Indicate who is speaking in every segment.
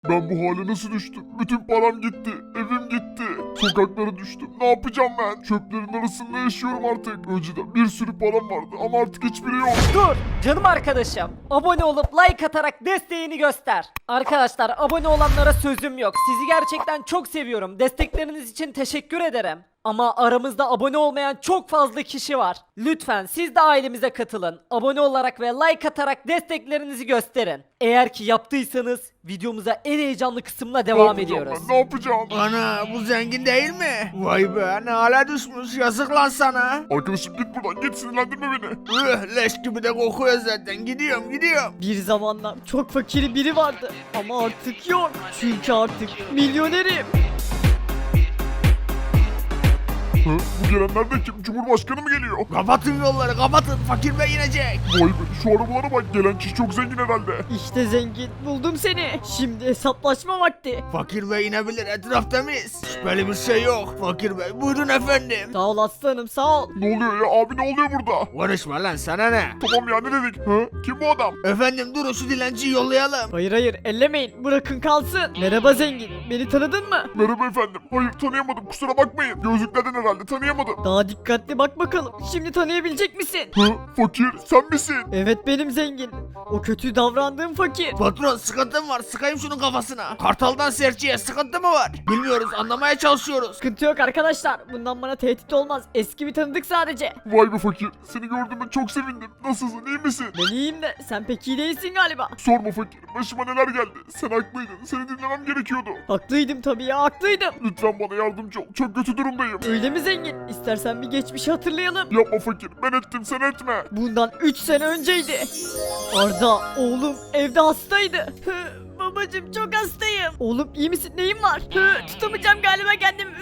Speaker 1: Ben bu hale nasıl düştüm? Bütün param gitti. Evim gitti. Sokaklara düştüm. Ne yapacağım ben? Çöplerin arasında yaşıyorum artık. Önceden bir sürü param vardı ama artık hiçbiri yok.
Speaker 2: Dur canım arkadaşım. Abone olup like atarak desteğini göster. Arkadaşlar abone olanlara sözüm yok. Sizi gerçekten çok seviyorum. Destekleriniz için teşekkür ederim. Ama aramızda abone olmayan çok fazla kişi var. Lütfen siz de ailemize katılın. Abone olarak ve like atarak desteklerinizi gösterin. Eğer ki yaptıysanız videomuza en heyecanlı kısımla
Speaker 1: Ne
Speaker 2: devam
Speaker 1: yapacağım
Speaker 2: ediyoruz.
Speaker 1: ben? Ne yapacağım?
Speaker 3: Ana bu zengin değil mi? Vay be ne hale düşmüş yazık lan sana.
Speaker 1: Arkadaşım git buradan. Git, sinirlendirme beni.
Speaker 3: Leş gibi de kokuyor zaten gidiyorum.
Speaker 4: Bir zamanlar çok fakiri biri vardı ama artık yok. Çünkü artık milyonerim.
Speaker 1: Hı? Bu gelenler de kim? Cumhurbaşkanı mı geliyor?
Speaker 3: Kapatın yolları kapatın fakir bey inecek.
Speaker 1: Vay be, şu arabalara bak. Gelen kişi çok zengin herhalde.
Speaker 4: İşte zengin, buldum seni. Şimdi hesaplaşma vakti.
Speaker 3: Fakir bey inebilir etraf temiz. Şüpheli bir şey yok. Fakir bey buyurun efendim.
Speaker 4: Sağ ol aslanım, sağ ol.
Speaker 1: Ne oluyor ya? Abi ne oluyor burada?
Speaker 3: Konuşma lan sana ne?
Speaker 1: Tamam ya, ne dedik? Hı? Kim bu adam?
Speaker 3: Efendim durun şu dilenciyi yollayalım.
Speaker 4: Hayır hayır, ellemeyin, bırakın kalsın. Merhaba zengin, beni tanıdın mı?
Speaker 1: Merhaba efendim. Hayır, tanıyamadım. Kusura bakmayın. Gözlüklerden herhalde tanıyamadım.
Speaker 4: Daha dikkatli bak bakalım. Şimdi tanıyabilecek misin?
Speaker 1: Hı? Fakir sen misin?
Speaker 4: Evet benim zengin. O kötü davrandığım fakir.
Speaker 3: Patron sıkıntım var sıkayım şunun kafasına. Kartaldan serçeye sıkıntı mı var? Bilmiyoruz anlamaya çalışıyoruz.
Speaker 4: Sıkıntı yok arkadaşlar. Bundan bana tehdit olmaz. Eski bir tanıdık sadece.
Speaker 1: Vay be fakir. Seni gördüğüme çok sevindim. Nasılsın? İyi misin?
Speaker 4: Ben iyiyim de sen pek iyi değilsin galiba.
Speaker 1: Sorma fakir. Başıma neler geldi. Sen haklıydın. Seni dinlemem gerekiyordu.
Speaker 4: Haklıydım tabii ya, haklıydım.
Speaker 1: Lütfen bana yardımcı ol. Çok kötü durumdayım.
Speaker 4: Öyle mi zengin? İstersen bir geçmişi hatırlayalım.
Speaker 1: Yapma fakir. Ben ettim, sen etme.
Speaker 4: Bundan 3 sene önceydi. Arda oğlum evde hastaydı. Babacım çok hastayım. Oğlum iyi misin? Neyin var? Tutamayacağım galiba kendimi.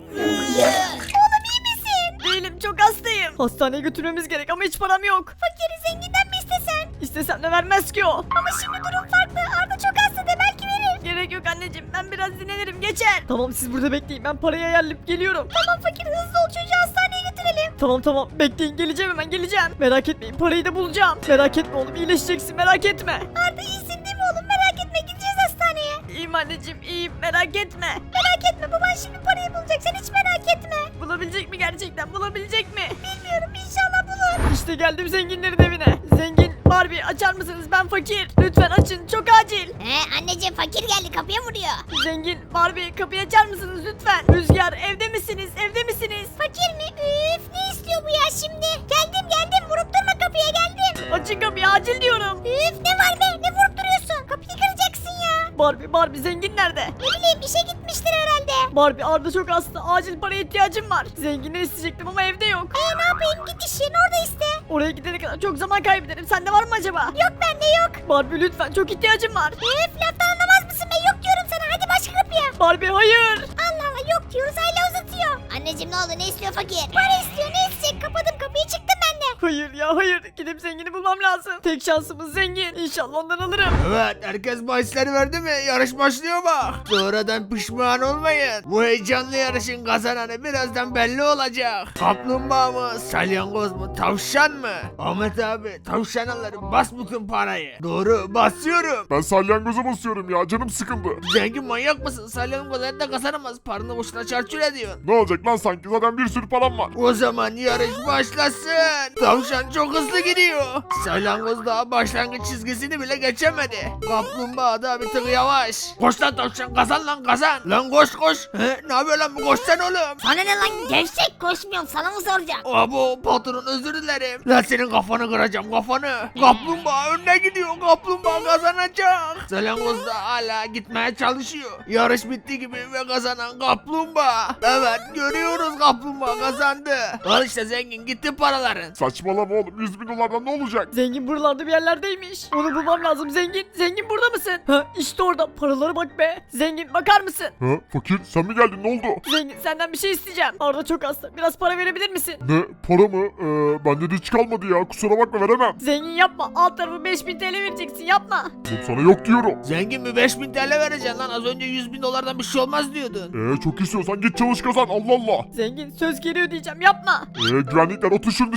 Speaker 4: Oğlum iyi misin? Değilim, çok hastayım. Hastaneye götürmemiz gerek ama hiç param yok. Fakiri zenginden mi istesen? İstesem de vermez ki o. Ama şimdi durum farklı. Arda çok hasta de belki verir. Gerek yok anneciğim, ben biraz dinlenirim, geçer. Tamam siz burada bekleyin, ben parayı ayarlayıp geliyorum. Tamam fakir, hızlı ol, çocuğu hastaneye götürelim. Tamam bekleyin, geleceğim hemen geleceğim. Merak etmeyin, parayı da bulacağım. Merak etme oğlum, iyileşeceksin, merak etme. Arda iyisin değil mi oğlum, merak etme, gideceğiz hastaneye. İyiyim anneciğim, iyiyim, merak etme. Merak etme, baban şimdi parayı bulacak, sen hiç merak etme. Bulabilecek mi gerçekten, bulabilecek mi? Bilmiyorum, inşallah bulur. İşte geldim zenginlerin evine. Zengin Barbie, açar mısınız, ben fakir. Lütfen açın, çok acil.
Speaker 5: Anneciğim fakir geldi kapıya vuruyor.
Speaker 4: Zengin Barbie, kapıyı açar mısınız lütfen? Rüzgar, evde misiniz, evde misiniz?
Speaker 5: Fakir mi? Üf ne istiyor bu ya şimdi? Geldim vurup durma kapıya geldim.
Speaker 4: Açın kapıyı, acil diyorum.
Speaker 5: Üf ne var be ne vurup duruyorsun? Kapıyı kıracaksın ya.
Speaker 4: Barbie zengin nerede?
Speaker 5: Ne bileyim işe gitmiştir herhalde.
Speaker 4: Barbie, Arda çok hasta, acil paraya ihtiyacım var. Zenginden isteyecektim ama evde yok.
Speaker 5: Ne yapayım git işin orada iste.
Speaker 4: Oraya gidene kadar çok zaman kaybederim, sende var mı acaba?
Speaker 5: Yok bende yok.
Speaker 4: Barbie lütfen, çok ihtiyacım var.
Speaker 5: Üf laftan anlamaz mısın be yok diyorum sana hadi başka kapıya.
Speaker 4: Barbie hayır.
Speaker 5: Allah Allah yok diyoruz hala uzatıyor. Anneciğim ne oldu ne istiyor fakir? Para istiyor ne isteyecek kapadım kapıyı çıktım ben de.
Speaker 4: Hayır ya hayır, gidip zengini bulmam lazım. Tek şansımız zengin, İnşallah ondan alırım.
Speaker 3: Evet herkes bahisleri verdi mi? Yarış başlıyor bak. Sonradan pişman olmayın. Bu heyecanlı yarışın kazananı birazdan belli olacak. Kaplumbağa mı? Salyangoz mu? Tavşan mı? Ahmet abi tavşan alırım bas bütün parayı. Doğru basıyorum.
Speaker 1: Ben salyangoza basıyorum ya. Canım sıkıldı.
Speaker 3: Zengin manyak mısın? Salyangoz hayatta kazanamaz. Paranı boşuna çarçur ediyorsun.
Speaker 1: Ne olacak lan sanki? Zaten bir sürü param var.
Speaker 3: O zaman yarış başlasın. Tavşan çok hızlı gidiyor. Salyangoz daha başlangıç çizgisini bile geçemedi. Kaplumbağa da bir tık yavaş. Koş lan tavşan kazan lan kazan. Lan koş. Ne yapıyor lan bu koşsana oğlum.
Speaker 5: Sana ne lan gevşek koşmuyorum sana mı soracağım?
Speaker 3: Abo patron özür dilerim. Lan senin kafanı kıracağım kafanı. Kaplumbağa önüne gidiyor. Kaplumbağa kazanacak. Salyangoz da hala gitmeye çalışıyor. Yarış bitti gibi ve kazanan kaplumbağa. Evet görüyoruz kaplumbağa kazandı. Al işte zengin gitti paraların.
Speaker 1: Saçmalama oğlum. 100 bin dolardan ne olacak?
Speaker 4: Zengin buralarda bir yerlerdeymiş. Onu bulmam lazım zengin. Zengin burada mısın? Ha işte orada, paralara bak be. Zengin bakar mısın?
Speaker 1: Ha? Fakir sen mi geldin? Ne oldu?
Speaker 4: Zengin senden bir şey isteyeceğim. Arda çok hasta, biraz para verebilir misin?
Speaker 1: Ne? Para mı? Bende de hiç kalmadı ya. Kusura bakma, veremem.
Speaker 4: Zengin yapma, alt tarafı 5000 TL vereceksin, yapma.
Speaker 1: Oğlum sana yok diyorum.
Speaker 3: Zengin bir 5000 TL vereceksin lan az önce 100 bin dolardan bir şey olmaz diyordun.
Speaker 1: Çok istiyorsan git çalış kazan. Allah Allah.
Speaker 4: Zengin söz geri ödeyeceğim, yapma.
Speaker 1: Güvenlikler otur şunu dışarıya ya.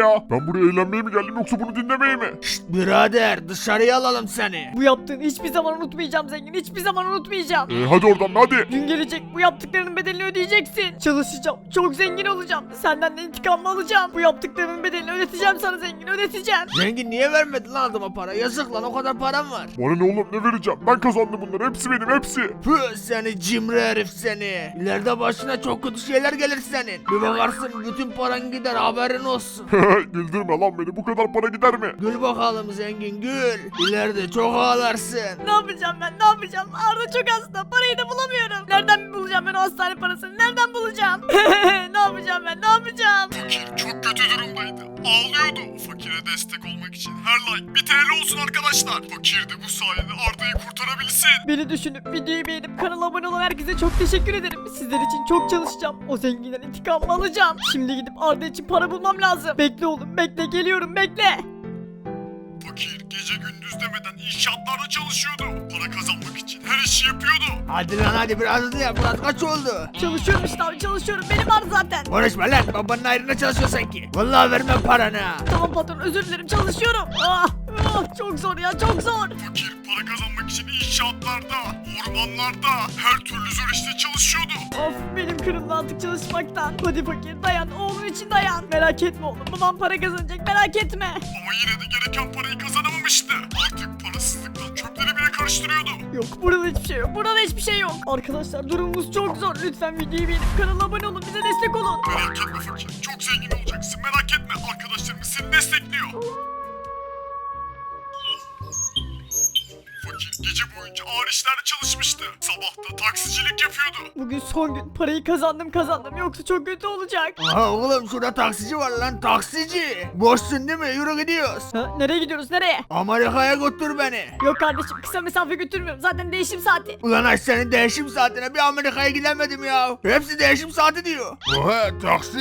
Speaker 1: ya? Ben buraya eğlenmeye mi geldim yoksa bunu dinlemeye mi?
Speaker 3: Şşt birader dışarıya alalım seni.
Speaker 4: Bu yaptığını hiçbir zaman unutmayacağım zengin. Hiçbir zaman unutmayacağım.
Speaker 1: Hadi oradan hadi.
Speaker 4: Gün gelecek bu yaptıklarının bedelini ödeyeceksin. Çalışacağım. Çok zengin olacağım. Senden de intikamımı alacağım. Bu yaptıklarının bedelini ödeteceğim sana zengin. Ödeteceğim.
Speaker 3: Zengin niye vermedin lan adama para? Yazık lan o kadar param var.
Speaker 1: Bana ne oğlum ne vereceğim? Ben kazandım bunları. Hepsi benim hepsi.
Speaker 3: Püh seni cimri herif seni. İleride başına çok kötü şeyler gelir senin. Bir bakarsın bütün paran gider haberin olsun.
Speaker 1: Güldürme lan beni. Bu kadar para gider mi?
Speaker 3: Gül bakalım zengin gül. İleride çok ağlarsın.
Speaker 4: Ne yapacağım ben? Ne yapacağım? Arda çok hasta. Parayı da bulamıyorum. Nereden bulacağım ben o hastane parasını? Nereden bulacağım? Ne yapacağım ben? Ne yapacağım?
Speaker 1: Fakir çok kötü durumdaydı. Ağlıyordu. Fakire destek olmak için her like 1 TL olsun arkadaşlar. Fakir de bu sayede Arda'yı kurtarabilsin.
Speaker 4: Beni düşünüp videoyu beğenip kanala abone olan herkese çok teşekkür ederim. Sizler için çok çalışacağım. O zenginden intikamımı alacağım. Şimdi gidip Arda için para bulmam lazım. Bekle oğlum bekle geliyorum bekle.
Speaker 1: Fakir gece gündüz demeden inşaatlarda çalışıyordu. Para kazanmak için her işi yapıyordu.
Speaker 3: Hadi lan hadi biraz hızlı yap. Murat kaç oldu?
Speaker 4: Çalışıyorum işte abi çalışıyorum. Benim var zaten.
Speaker 3: Konuşma lan babanın ayrına çalışıyor sanki. Vallahi vermem paranı.
Speaker 4: Tamam patron özür dilerim çalışıyorum. Çok zor ya çok zor.
Speaker 1: Fakir para kazanmak için inşaatlarda, ormanlarda, her türlü zor işte çalışıyordu.
Speaker 4: Of benim kırıldı artık çalışmaktan. Hadi fakir dayan oğlum için dayan. Merak etme oğlum babam para kazanacak merak etme.
Speaker 1: Ama yine de gereken parayı kazanamamıştı. Artık parasızlıktan çöpleri bile karıştırıyordu.
Speaker 4: Yok burada hiçbir şey yok. Burada hiçbir şey yok. Arkadaşlar durumumuz çok zor. Lütfen videoyu beğenip kanala abone olun. Bize destek olun.
Speaker 1: Merak etme fakir, çok zengin olacaksın merak etme. Arkadaşlarımız seni destekliyor. Fakir gece boyunca ağır işlerde çalışmıştı. Sabah da taksicilik yapıyordu.
Speaker 4: Bugün son gün. Parayı kazandım. Yoksa çok kötü olacak.
Speaker 3: Aha oğlum şurada taksici var lan taksici. Boşsun değil mi? Yürü gidiyoruz.
Speaker 4: Ha, nereye gidiyoruz nereye?
Speaker 3: Amerika'ya götür beni.
Speaker 4: Yok kardeşim kısa mesafe götürmüyorum. Zaten değişim saati.
Speaker 3: Ulan ay senin değişim saatine bir Amerika'ya gidemedim ya. Hepsi değişim saati diyor.
Speaker 1: Oha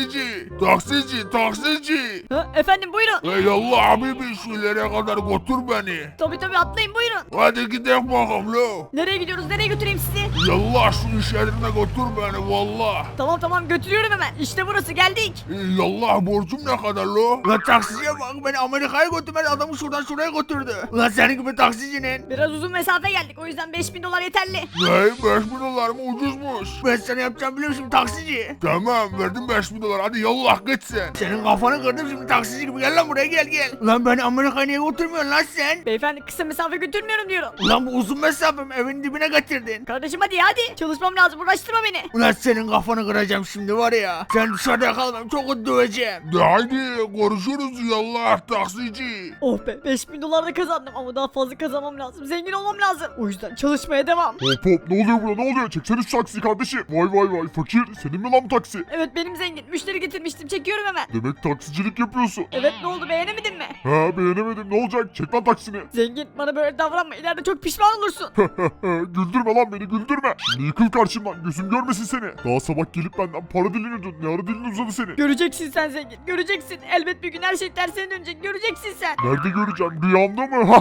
Speaker 1: taksici.
Speaker 4: Ha, efendim buyurun.
Speaker 1: Ey Allah habibi şu ileriye kadar götür beni.
Speaker 4: Tabii atlayın buyurun.
Speaker 1: Hadi gidelim bakalım lo.
Speaker 4: Nereye gidiyoruz? Nereye götüreyim sizi?
Speaker 1: Yallah şu iş yerine götür beni valla.
Speaker 4: Tamam götürüyorum hemen. İşte burası geldik.
Speaker 1: Yallah borcum ne kadar lo?
Speaker 3: Ulan taksiciye bak beni Amerika'ya götürmedi adamı şuradan şuraya götürdü. Ulan senin gibi taksicinin.
Speaker 4: Biraz uzun mesafe geldik. O yüzden 5000 dolar yeterli.
Speaker 1: Ne? 5000 dolar mı ucuzmuş?
Speaker 3: Ben sana yapacağım biliyorum şimdi taksici.
Speaker 1: Tamam verdim 5000 dolar hadi yallah git sen.
Speaker 3: Senin kafanı kırdım şimdi taksici gibi gel lan buraya gel. Ulan beni Amerika'ya niye götürmüyorsun lan sen?
Speaker 4: Beyefendi kısa mesafe götürmüyorum diyorum.
Speaker 3: Ulan bu uzun mesafem evin dibine getirdin.
Speaker 4: Kardeşim hadi. Çalışmam lazım. Uğraştırma beni.
Speaker 3: Ulan senin kafanı kıracağım şimdi var ya. Sen dışarıda kalmam çok kötü döveceğim.
Speaker 1: De haydi konuşuruz yallah taksici.
Speaker 4: Oh be 5000 dolar da kazandım ama daha fazla kazanmam lazım. Zengin olmam lazım. O yüzden çalışmaya devam.
Speaker 1: Hop ne oluyor burada ne oluyor? Çeksene şu taksiyi kardeşim. Vay fakir senin mi lan bu taksi?
Speaker 4: Evet benim zengin. Müşteri getirmiştim. Çekiyorum hemen.
Speaker 1: Demek taksicilik yapıyorsun.
Speaker 4: Evet ne oldu beğenemedin mi?
Speaker 1: Ha beğenemedim ne olacak? Çek lan taksini.
Speaker 4: Zengin bana böyle davranma. İleride çok pişman olursun.
Speaker 1: Güldürme lan beni güldürme. Şimdi yıkıl karşımdan gözüm görmesin seni. Daha sabah gelip benden para diliniyordun. Ne ara dilin uzadı seni?
Speaker 4: Göreceksin sen zengin. Göreceksin. Elbet bir gün her şey tersine dönecek. Göreceksin sen.
Speaker 1: Nerede göreceğim? Rüyamda mı?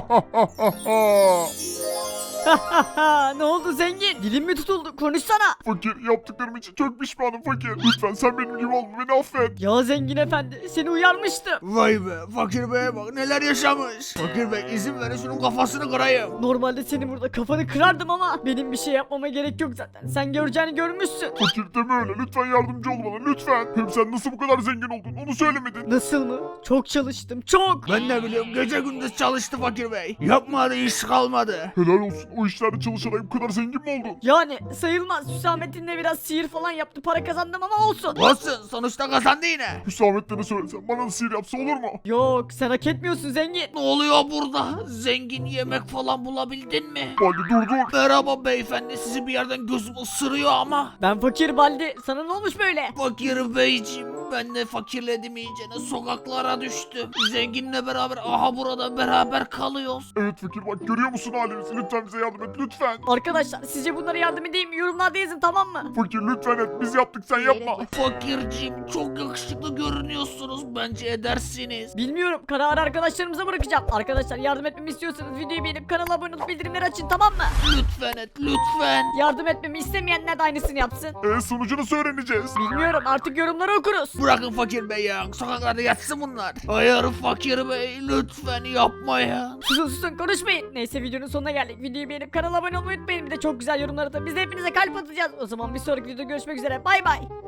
Speaker 4: Ne oldu zengin? Dilin mi tutuldu? Konuşsana.
Speaker 1: Fakir yaptıklarım için çok pişmanım fakir. Lütfen sen benim gibi olma beni affet.
Speaker 4: Ya zengin efendi seni uyarmıştım.
Speaker 3: Vay be fakir beye bak neler yaşamış. Fakir bey izin verin şunun kafasını kırayım.
Speaker 4: Normalde senin burada kafanı kırardım ama benim bir şey yapmama gerek yok zaten. Sen göreceğini görmüşsün.
Speaker 1: Fakir deme öyle lütfen yardımcı ol bana lütfen. Hem sen nasıl bu kadar zengin oldun onu söylemedin.
Speaker 4: Nasıl mı? Çok çalıştım. Çok.
Speaker 3: Ben ne biliyorum gece gündüz çalıştı fakir bey. Yapmadı iş kalmadı.
Speaker 1: Helal olsun o işlerde çalışarak bu kadar zengin mi oldun?
Speaker 4: Yani sayılmaz. Hüsamettin de biraz sihir falan yaptı. Para kazandım ama olsun.
Speaker 3: Olsun sonuçta kazandı yine.
Speaker 1: Hüsamettin'e söylesem bana da sihir yapsa olur mu?
Speaker 4: Yok sen hak etmiyorsun zengin.
Speaker 3: Ne oluyor burada? Zengin yemek falan bulabildin mi?
Speaker 1: Hadi dur.
Speaker 3: Merhaba beyefendi sizi bir yerden gözüm ısırıyor ama.
Speaker 4: Ben fakir Baldi. Sana ne olmuş böyle?
Speaker 3: Fakir beyciğim ben de fakirledim iyicene sokaklara düştüm. Zenginle beraber aha burada beraber kalıyoruz.
Speaker 1: Evet fakir bak görüyor musun halimizi? Lütfen bize yardım et lütfen.
Speaker 4: Arkadaşlar sizce bunlara yardım edeyim mi? Yorumlarda yazın tamam mı?
Speaker 1: Fakir lütfen et biz yaptık sen yapma.
Speaker 3: Fakirciğim çok yakışıklı görünüyorsunuz bence edersiniz.
Speaker 4: Bilmiyorum. Kararı arkadaşlarımıza bırakacağım. Arkadaşlar yardım etmemi istiyorsanız videoyu beğenip kanala abone olup bildirimleri açın tamam mı?
Speaker 3: Lütfen et lütfen.
Speaker 4: Yardım etmemi istemeyenler de aynısını yapsın.
Speaker 1: Sonucunu nasıl öğreneceğiz?
Speaker 4: Bilmiyorum artık yorumları okuruz.
Speaker 3: Bırakın fakir bey ya. Sokaklarda yatsın bunlar. Hayır fakir bey lütfen yapmayın.
Speaker 4: Susun konuşmayın. Neyse videonun sonuna geldik. Videoyu beğenip kanala abone olmayı unutmayın. Bir de çok güzel yorumlar atın. Biz de hepinize kalp atacağız. O zaman bir sonraki videoda görüşmek üzere. Bay bay.